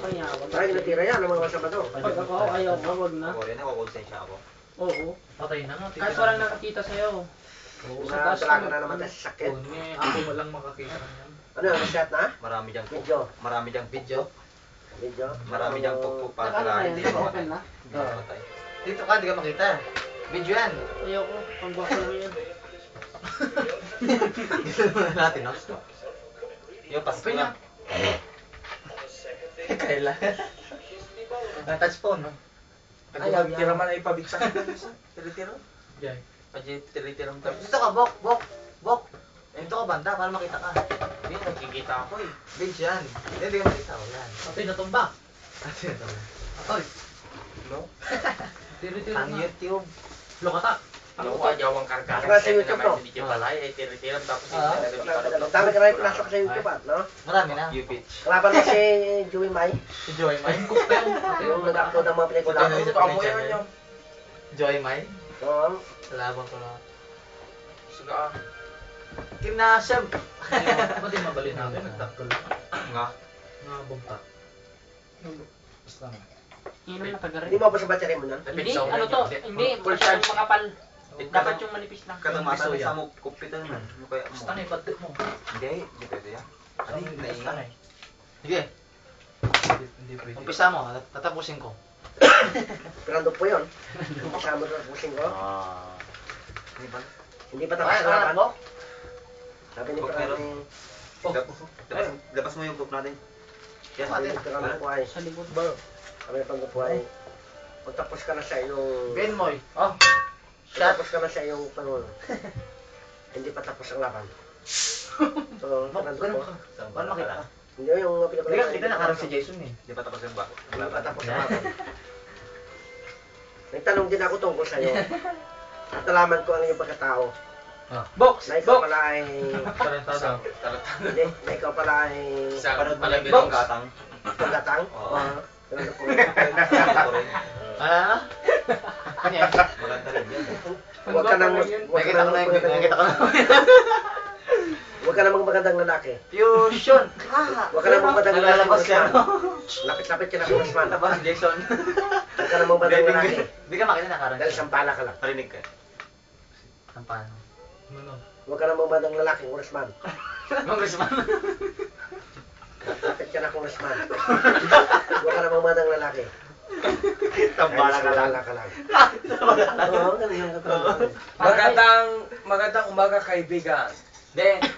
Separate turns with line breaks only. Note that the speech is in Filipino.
kaya.
Ay, natira yan ang mga Sabado.
Pag ako, ayaw ko, wag na.
Ako rin, nakukonsensya ako.
Oo.
Patay na nga.
Kahit walang nakakita sa'yo.
Sa talaga na naman tayo sa sakit.
Ako walang makakita niyan.
Ano, shot na?
Marami diyang
Video.
Marami diyang video.
Video.
Marami diyang pukpuk para
Nakano na
talaga
yan,
hindi
naka-open na.
mamatay.
Dito ka, di ka makita. Video yan.
Ayaw ko, pang-bako lang yan.
Natin, no?
Yung pasko
Pina.
lang.
Kailan? Touch phone, no?
Ayaw, tira man ay pabitsa. Tira-tira.
Jay.
Pwede tiri-tirang tapos.
Dito ka, Bok. Dito ka, banda, para makita ka.
Hindi, nagkikita ako eh.
Video yan. Hindi ka makita, yan.
Patay na tumba.
Ate na to.
Oy.
No?
Tiri-tira
Ang
na.
YouTube.
Lokata.
Yung ayaw ang karga.
Saka sa YouTube to.
Video pala ay tiri-tiram tapos
Ah.
Ang dami ka na yung pinasok sa YouTube at, no?
Marami na.
YouTube.
Kalaban mo si Joey Mai.
Si Joy Mai.
Yung nag-upload ng mga pelikula.
Ano
Ito mo yan yung.
Joy Mai.
Oo.
Laban ko na.
Suga.
Kinasam.
Ba't yung mabali natin? Nagtakol.
Nga.
Nga bumpa. Basta nga.
Inom na taga
Hindi
rin.
mo ba sa battery mo nun?
Hindi, ano to? Hindi,
Full
masyadong
charge.
makapal. Dapat yung manipis lang.
Katamatan sa mo kupitan man. Ano kaya mo?
Basta nga yung badit mo.
Hindi, hindi pwede yan. Ano yung
Basta nga
naingat?
eh.
Sige,
Hindi pwede.
umpisa mo. Tatapusin ko.
Pirando po yun. Kasama na pusing ko.
Ah. Hindi ba?
Hindi pa tapos na laban.
Bok.
Sabi ni
Bok,
Pirando.
Oh.
Labas mo yung book natin. Yan,
Sabi ni Pirando po ay.
Sa likod.
Sabi ni Pirando po ay. Pagtapos ka na sa iyong...
Ben Moy. Oh.
Pagtapos ka na sa iyong pangulo. Hindi pa tapos ang laban. So,
Bok,
Pirando
ganun
po.
ka. Paano makita?
Hindi yung pelikula.
Hindi ka nakita nakarang si Jason eh.
Hindi pa tapos yung ba?
Hindi pa tapos ang laban. Nagtanong din ako tungkol sa iyo. At nalaman ko ang iyong pagkatao.
Box!
Na ikaw
Box!
pala ay...
Talentado.
Hindi, na ikaw pala ay...
Panood mo lang
Box.
yung gatang.
Pagkatang?
Oo.
Pirando po.
Ako rin.
Ano? Ano yan?
Maganda rin yan.
Huwag ka nang... Huwag ka
Nakita ko
nang...
na yung... Nakita ko na.
Huwag ka namang magandang lalaki.
Fusion!
Huwag ka namang magandang lalaki.
Nalalabas yan.
Lapit-lapit ka na kung Osman.
Labas si Jason.
Huwag ka namang magandang lalaki.
Hindi ka makita nakarang.
Dahil sampala ka lang.
Narinig ka.
Ang paano?
Ano?
Huwag ka namang magandang lalaki kung Osman.
Congressman.
Lapit ka na kung Osman. Huwag ka namang magandang lalaki.
Tambala ka lang.
Sampala ka lang. Oo, ganun yung katulad.
Magandang umaga kaibigan.
Hindi.